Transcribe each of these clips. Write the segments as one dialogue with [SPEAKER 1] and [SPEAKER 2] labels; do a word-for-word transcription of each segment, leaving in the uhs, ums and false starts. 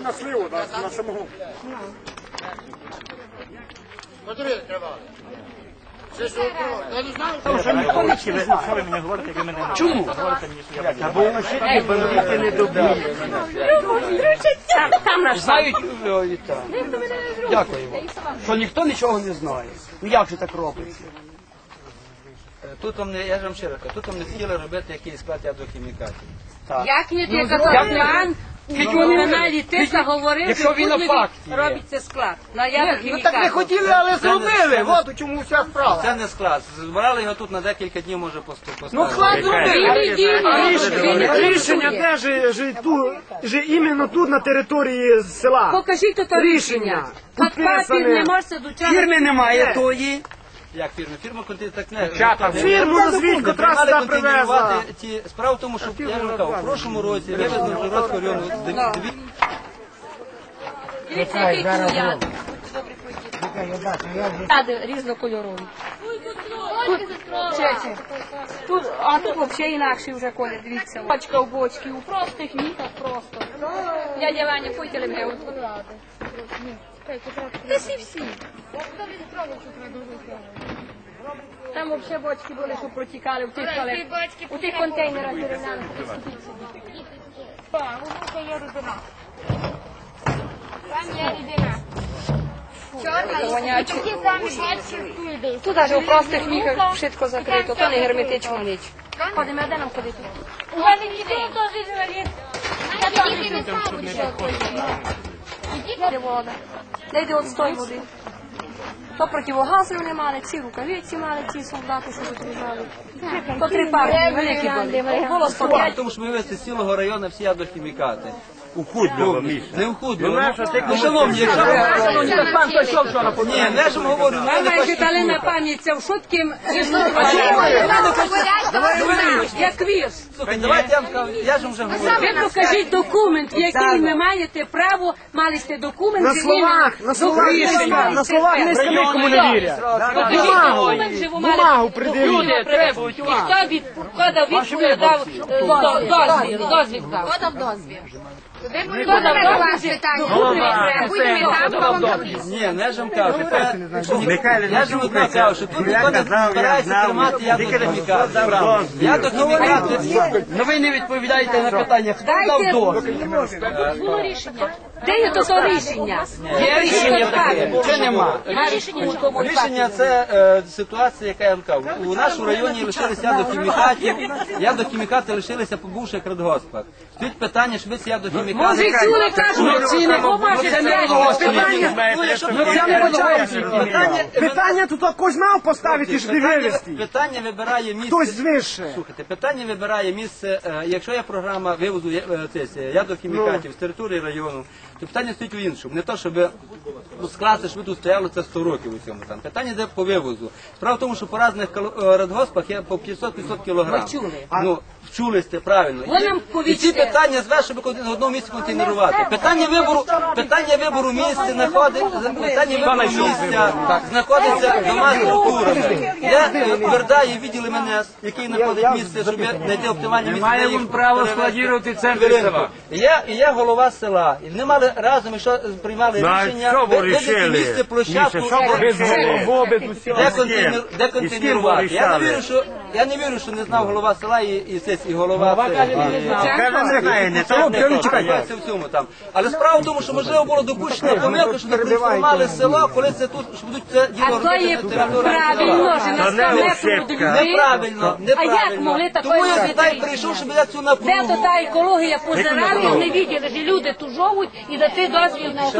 [SPEAKER 1] на сливу, на самогон.
[SPEAKER 2] Подивіться, тривали. Це що, я не знаю.
[SPEAKER 3] Що ви мені говорите, ви мене чому? Говорите мені, що я бандит. Або воно ще такі бандити не доб'ють.
[SPEAKER 4] Знають, дякуємо, що ніхто нічого не знає. Ну як же так робиться?
[SPEAKER 5] Тут вам не, я ж вам ще раз кажу, тут вам не хотіли робити якийсь склад ядохімікатів.
[SPEAKER 6] Як не ти казав, на каналі Тиса говорив,
[SPEAKER 4] Якщо він на факті
[SPEAKER 6] робиться склад.
[SPEAKER 2] Ну так не хотіли, але зробили. От у чому вся справа.
[SPEAKER 5] Це не склад. Збирали його тут на декілька днів, може, поставити.
[SPEAKER 2] Ну склад зробили.
[SPEAKER 1] Рішення де ж, ж, ту, ж іменно тут, на території села.
[SPEAKER 6] Покажіть тут рішення. Папір не можете до чого.
[SPEAKER 4] Фірми немає тої.
[SPEAKER 5] Як фірма? Фірма так не...
[SPEAKER 1] Фірму назвіть, котра
[SPEAKER 5] Мали
[SPEAKER 1] сюди привезла.
[SPEAKER 5] контейнерувати ті... Справа в тому, що я ж кажу, в прошлому році вивезли в Жиротського району дві...
[SPEAKER 6] Дивіться, який тут яд. Яди різнокольорові. Тут, а тут взагалі інакший вже колір, дивіться. Бочка в бочці, у простих мітах просто. Дядя Ваня, пойте мене. Ти всі всі. Там взагалі бочки були, що протікали в тих, у тих контейнерах дерев'яних.
[SPEAKER 7] Так, воно є рідина. Там є рідина. Чорна, і такі самі бачки туди.
[SPEAKER 6] Тут навіть у простих міхах швидко закрито, то не герметично ніч. Ходимо, де нам ходити?
[SPEAKER 7] У мене ніхто теж інвалід. Я тільки не знаю, що
[SPEAKER 6] Де вода? Де йде отстой води? То противогазів не мали, ці рукавиці мали, ці солдати, що тут лежали. То три партії великі були. Було сто п'ять.
[SPEAKER 5] Тому що ми вивезли з цілого району всі ядохімікати.
[SPEAKER 3] У Худльово, Міша.
[SPEAKER 5] Не в Худльово. Ну, шановні, якщо...
[SPEAKER 4] Пан прийшов вчора по
[SPEAKER 5] Ні, не ж говорю,
[SPEAKER 6] Ви
[SPEAKER 5] не
[SPEAKER 6] маєте дали на
[SPEAKER 5] паштикуйте.
[SPEAKER 6] пам'ять це в шутким як вірс.
[SPEAKER 5] Слухайте, давайте я вам скажу, я ж вам вже говорю.
[SPEAKER 6] Ви покажіть документ, в який ви маєте право, мали сте документ.
[SPEAKER 1] На словах, на словах, не- на словах не скажи, кому не вірять. Бумагу, бумагу придивіть.
[SPEAKER 6] Люди требують. І хто від кода відповідь дав е, до- дозвіл, дозвіл дав.
[SPEAKER 7] Хто дав дозвіл? Ви
[SPEAKER 6] Хто дав дозвіл?
[SPEAKER 5] Ні, не ж вам кажу.
[SPEAKER 3] Михайло,
[SPEAKER 5] Я ж вам одно кажу, що тут ніхто не збирається тримати ядохімікати. Ядохімікати...
[SPEAKER 4] Ну ви не відповідаєте на питання, хто дав дозвіл?
[SPEAKER 6] Було рішення. Де є то рішення?
[SPEAKER 4] Є рішення таке, чи нема?
[SPEAKER 6] А рішення нікому не
[SPEAKER 5] Рішення це е, ситуація, яка я вам кажу. У нашому районі лишилися ядохімікатів, ядохімікати лишилися по бувших радгоспах. Стоїть питання, щоб ці ядохімікати...
[SPEAKER 6] Може, чули, кажуть,
[SPEAKER 4] ці не
[SPEAKER 6] побачите,
[SPEAKER 4] це не
[SPEAKER 6] це
[SPEAKER 4] голосує.
[SPEAKER 5] Питання,
[SPEAKER 1] Питання тут хтось мав поставити, щоб вивезти.
[SPEAKER 5] питання вибирає місце...
[SPEAKER 1] Хтось звище.
[SPEAKER 5] Слухайте, питання вибирає місце, е, якщо є програма вивозу е, цих, е, ядохімікатів з території району, то питання стоїть у іншому. Не то, щоб ну, скласти, щоб тут стояло це сто років у цьому там. Питання йде по вивозу. Справа в тому, що по різних кал- е, радгоспах є по п'ятсот-п'ятсот кілограм.
[SPEAKER 6] Ми чули.
[SPEAKER 5] Ну, вчулись це правильно.
[SPEAKER 6] Ви нам
[SPEAKER 5] І ці
[SPEAKER 6] повісьте.
[SPEAKER 5] питання зве, щоб на одному місці контейнерувати. Питання вибору, питання вибору місця знаходить, питання вибору місця знаходиться двома структурами. Я твердаю відділи мене, який знаходить місце, щоб знайти оптимальне місце.
[SPEAKER 4] Маємо право складувати центр села.
[SPEAKER 5] І я, і я голова села. І вони мали разом, якщо приймали
[SPEAKER 3] Ну, а
[SPEAKER 5] рішення,
[SPEAKER 3] що ви
[SPEAKER 5] виділити
[SPEAKER 3] рішили?
[SPEAKER 5] місце, площадку,
[SPEAKER 3] Міша, що ви
[SPEAKER 5] де
[SPEAKER 3] рішили?
[SPEAKER 5] контейнер- де
[SPEAKER 3] І з ким ви
[SPEAKER 5] контейнерувати. Я не
[SPEAKER 3] рішали?
[SPEAKER 5] вірю, що я не вірю, що не знав голова села і, і, це- і голова. це-
[SPEAKER 3] Каже, не знає, не так, не так.
[SPEAKER 5] Це в цьому там. Але справа в тому, що можливо було допущено помилка, що не проінформували село, коли це тут, що будуть це діло
[SPEAKER 6] А то є
[SPEAKER 5] робити на території
[SPEAKER 6] правильно, що
[SPEAKER 5] села.
[SPEAKER 6] на сто
[SPEAKER 3] не
[SPEAKER 6] метрів
[SPEAKER 3] ошибка.
[SPEAKER 6] від людей.
[SPEAKER 5] Неправильно,
[SPEAKER 6] А як могли
[SPEAKER 5] неправильно.
[SPEAKER 6] такої
[SPEAKER 5] Тому я
[SPEAKER 6] робити
[SPEAKER 5] сюди
[SPEAKER 6] рішення?
[SPEAKER 5] прийшов, щоб я цю
[SPEAKER 6] Де
[SPEAKER 5] напругу.
[SPEAKER 6] то та екологія позирали, вони бачили, що люди тут живуть і дати дозвіл на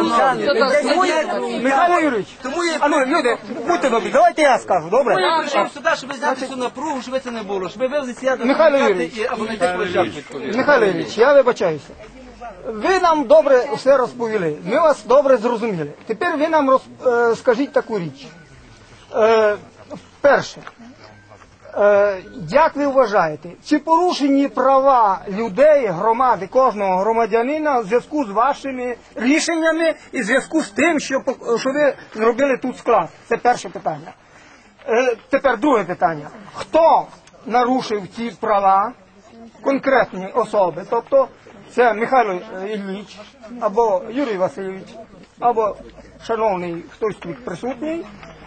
[SPEAKER 6] тут.
[SPEAKER 4] Михайло Юрійович,
[SPEAKER 5] Тому я
[SPEAKER 4] а ну, люди, будьте добрі, давайте я скажу, добре?
[SPEAKER 5] я прийшов сюди, щоб зняти цю напругу, щоб це не було, щоб ви вивезли сяду
[SPEAKER 4] Михайло Юрійович.
[SPEAKER 5] або знайти площадку відповідно.
[SPEAKER 4] Михайло Юрійович, я вибачаюся. Ви нам добре все розповіли, ми вас добре зрозуміли. Тепер ви нам роз, е, скажіть таку річ. Е, перше, е, як ви вважаєте, чи порушені права людей, громади, кожного громадянина в зв'язку з вашими рішеннями і в зв'язку з тим, що, пок- що ви зробили тут склад? Це перше питання. Е, тепер друге питання. Хто нарушив ці права, конкретні особи, тобто Це Михайло Ілліч, або Юрій Васильович, або шановний хтось тут присутній.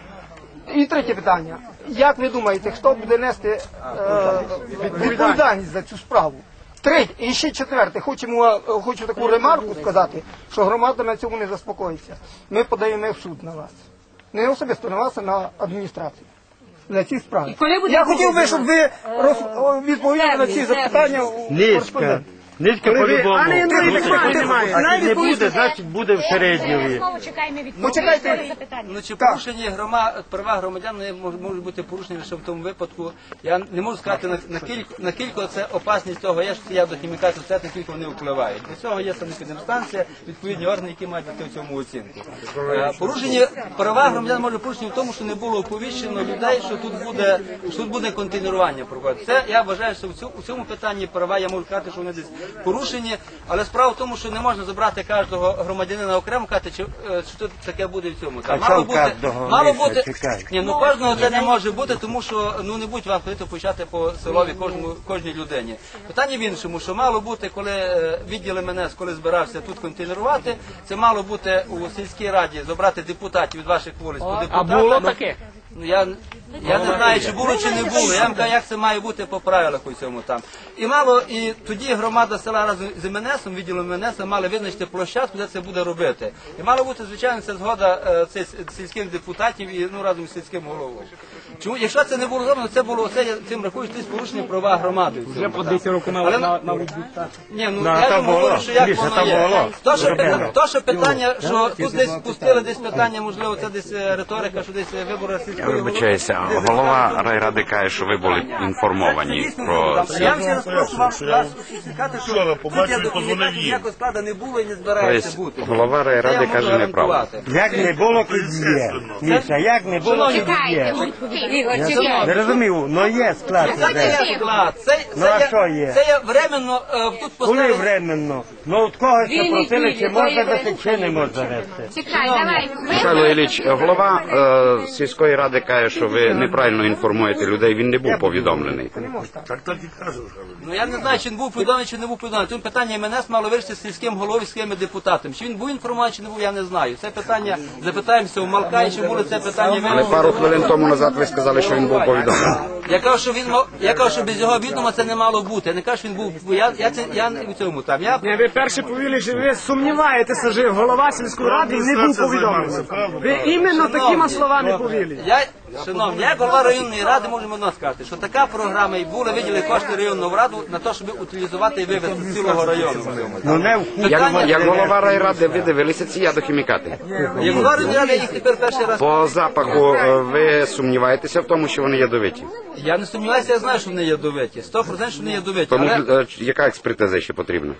[SPEAKER 4] І третє питання. Як ви думаєте, хто буде нести е, відповідальність за цю справу? Третє, і ще четверте, хочемо, хочу таку ремарку сказати, що громада на цьому не заспокоїться. Ми подаємо в суд на вас. Не особисто на вас, а на адміністрацію. За ці справи. Я хотів би, щоб ви роз... відповіли на ці запитання у
[SPEAKER 3] Низько. Низько по-любому.
[SPEAKER 4] А не, не,
[SPEAKER 3] Якщо
[SPEAKER 4] немає.
[SPEAKER 3] не буде, значить буде в середньові.
[SPEAKER 7] Знову чекаємо відповідь.
[SPEAKER 4] Почекайте.
[SPEAKER 7] на запитання.
[SPEAKER 5] Ну чи порушені грома, права громадян не мож- можуть бути порушені лише в тому випадку. Я не можу сказати на, на кілько на кілько це опасність того, є, що я до хімікатів, це на кілько вони впливають. Для цього є санепідемстанція, відповідні органи, які мають дати в цьому оцінку. Е, Порушені права громадян можуть порушені в тому, що не було оповіщено людей, що тут буде що тут буде контейнерування проводити. Це я вважаю, що в цьому, у цьому питанні права я можу сказати, що вони десь порушені, але справа в тому, що не можна забрати кожного громадянина окремо, казати, чи, е, що тут таке буде в цьому. Там,
[SPEAKER 3] А
[SPEAKER 5] мало
[SPEAKER 3] що
[SPEAKER 5] бути,
[SPEAKER 3] кожного?
[SPEAKER 5] мало
[SPEAKER 3] Міша,
[SPEAKER 5] бути,
[SPEAKER 3] чекай.
[SPEAKER 5] ні, ну кожного це не може бути, тому що ну не будь вам ходити почати по селові кожному кожній людині. Питання в іншому, що мало бути, коли е, відділ ем ен ес, коли збирався тут контейнерувати, це мало бути у сільській раді забрати депутатів від ваших вулиць. по
[SPEAKER 1] А
[SPEAKER 5] депутатам.
[SPEAKER 1] було таке?
[SPEAKER 5] Ну, я, я не знаю, чи було, чи не було. Я вам кажу, як це має бути по правилах у цьому там. І мало, і тоді громада села разом з ем ен есом, відділом ем ен еса, мали визначити площадку, де це буде робити. І мала бути, звичайно, це згода е, цих сільських депутатів і ну, разом з сільським головою. Чому? Якщо це не було зроблено, це було це, я цим рахую, що це порушення права громади. в цьому,
[SPEAKER 1] Вже по
[SPEAKER 5] так.
[SPEAKER 1] десять років
[SPEAKER 5] Але-
[SPEAKER 1] на на
[SPEAKER 5] Ні, ну
[SPEAKER 3] Ну, а
[SPEAKER 5] я
[SPEAKER 3] там
[SPEAKER 5] ж говорю,
[SPEAKER 3] було.
[SPEAKER 5] що як
[SPEAKER 3] Міша,
[SPEAKER 5] воно
[SPEAKER 3] там
[SPEAKER 5] є.
[SPEAKER 3] було.
[SPEAKER 5] То, що, питання, то, що питання, що тут десь пустили десь питання, можливо, це десь е, риторика, що десь е, вибори
[SPEAKER 8] Я
[SPEAKER 5] сільської голови.
[SPEAKER 8] вибачаюся, голова райради каже, що ви були інформовані про це.
[SPEAKER 5] Я вам ще раз прошу вам вас сказати, що
[SPEAKER 2] Вчора
[SPEAKER 5] тут
[SPEAKER 2] побачив,
[SPEAKER 5] я
[SPEAKER 2] позвонив
[SPEAKER 5] документації
[SPEAKER 2] їм.
[SPEAKER 5] ніякого складу не було і не збирається бути.
[SPEAKER 8] Тобто голова
[SPEAKER 5] Це я
[SPEAKER 8] райради
[SPEAKER 5] можу
[SPEAKER 8] каже неправду.
[SPEAKER 5] гарантувати.
[SPEAKER 3] Як не було, то є. Міша, як не було, то є.
[SPEAKER 7] Ігор, чекайте.
[SPEAKER 3] Не розумів, ну є склад.
[SPEAKER 5] Це не
[SPEAKER 3] вже.
[SPEAKER 5] є склад, це,
[SPEAKER 3] Ну, а
[SPEAKER 5] це,
[SPEAKER 3] що є?
[SPEAKER 5] це є временно е, тут
[SPEAKER 3] Коли
[SPEAKER 5] поставили.
[SPEAKER 3] временно? Ну от когось запросили, чи можна вести, чи не можна вести.
[SPEAKER 7] Чекай, давай.
[SPEAKER 8] Михайло Ілліч, голова е, сільської ради каже, що ви неправильно інформуєте людей, він не був повідомлений.
[SPEAKER 2] Так так і кажу.
[SPEAKER 5] Ну я не знаю, чи він був повідомлений, чи не був повідомлений. Тут питання ем ен ес мало вирішити з сільським головою, з сільськими депутатами. Чи він був інформований, чи не був, я не знаю. Це питання, запитаємося у Малка, і чи було це питання
[SPEAKER 8] Але
[SPEAKER 5] вирішено.
[SPEAKER 8] пару хвилин тому назад ви сказали, що він був повідомлений.
[SPEAKER 5] Я кажу, що він мав, я кажу, що без його відома це не мало бути. Я не кажу, що він був. Я, я це я не у цьому там. Я
[SPEAKER 1] Ні, ви перше повіли, що ви сумніваєтеся, що голова сільської ради не був повідомлений. Ви іменно такими словами повіли.
[SPEAKER 5] Я, шановні, я як голова районної ради можемо одно сказати, що така програма і була виділені кошти районну раду на те, щоб утилізувати і вивезти з цілого району.
[SPEAKER 3] Ну не в
[SPEAKER 8] Як, як голова райради ви дивилися ці ядохімікати?
[SPEAKER 5] Як голова районної ради я їх тепер перший раз.
[SPEAKER 8] По запаху е, ви сумніваєтеся в тому, що вони ядовиті?
[SPEAKER 5] Я не сумніваюся, я знаю, що вони ядовиті. Сто процентів, що вони ядовиті.
[SPEAKER 8] Тому
[SPEAKER 5] Але,
[SPEAKER 8] е, яка експертиза ще потрібна?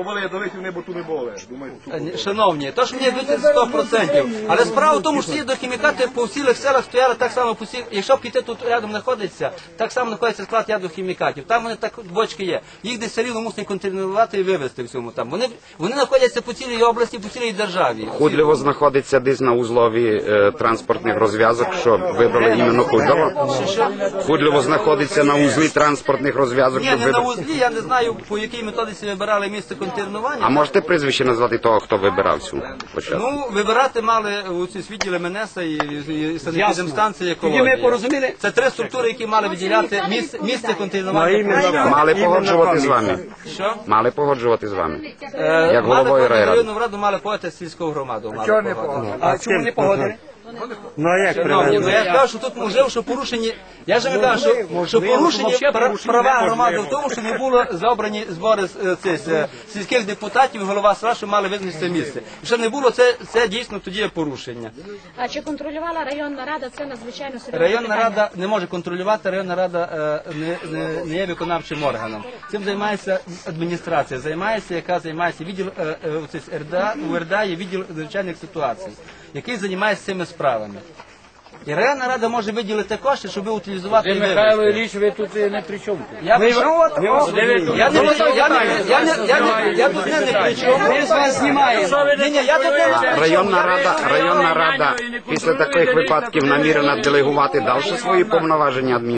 [SPEAKER 5] е, шановні, то, що вони ядовиті, сто процентів. Але справа в тому, що ці дохімікати по всіх селах стояли так само по всіх. Якщо піти тут рядом знаходиться, так само знаходиться склад ядохімікатів. Там вони так бочки є. Їх десь все рівно мусять контейнерувати і вивезти в цьому там. Вони, вони знаходяться по цілій області, по цілій державі.
[SPEAKER 8] Худлєво знаходиться десь на узлові е, транспортних розв'язок, що вибрали іменно Худлєво? Худлєво знаходиться на узлі транспортних розв'язок,
[SPEAKER 5] Ні,
[SPEAKER 8] щоб
[SPEAKER 5] не на
[SPEAKER 8] вибрали.
[SPEAKER 5] узлі, я не знаю, по якій методиці вибирали місце контейнерування.
[SPEAKER 8] А можете прізвище назвати того, хто вибирав цю площадку?
[SPEAKER 5] Ну, вибирати мали у ці відділи ем ен ес і, і, і санепідемстанції
[SPEAKER 1] Тоді ми
[SPEAKER 5] екології.
[SPEAKER 1] порозуміли.
[SPEAKER 5] Це три структури, які мали виділяти місце, місце контейнерування.
[SPEAKER 8] Мали погоджувати з вами.
[SPEAKER 5] Що?
[SPEAKER 8] Мали погоджувати з вами.
[SPEAKER 5] Е,
[SPEAKER 8] Як
[SPEAKER 5] мали
[SPEAKER 8] головою
[SPEAKER 5] погодити
[SPEAKER 8] райради.
[SPEAKER 5] районну раду, мали погодити сільську громаду. Мали
[SPEAKER 4] Чого не
[SPEAKER 5] погодити.
[SPEAKER 4] погодили?
[SPEAKER 3] А чому не погодили? Ну а як
[SPEAKER 5] Шановні, ну
[SPEAKER 3] привезли?
[SPEAKER 5] я кажу, що тут можливо, що порушені. Я ж не кажу, що, що порушені пра- права громади в тому, що не було забрані збори з, е, цих, е, сільських депутатів, і голова села, що мали визначити це місце. Якщо не було, це, це дійсно тоді є порушення.
[SPEAKER 7] А чи контролювала районна рада? Це надзвичайно серйозне
[SPEAKER 5] Районна
[SPEAKER 7] питання.
[SPEAKER 5] рада не може контролювати, районна рада е, не, не, не є виконавчим органом. Цим займається адміністрація, займається, яка займається відділ е, е, оцей ер де а, у ер де а є відділ надзвичайних ситуацій, який займається цими справами. І районна рада може виділити кошти, щоб утилізувати і
[SPEAKER 1] Михайло
[SPEAKER 5] вивезти.
[SPEAKER 1] Ілліч, ви тут не при чому.
[SPEAKER 5] Я ви- Я не я не я не я не я не я тут не не при чому. Ми з вас знімаємо. Ні, ні, я тут не при чому.
[SPEAKER 8] Районна рада, районна рада після таких випадків намірена делегувати далі свої повноваження адміністрації.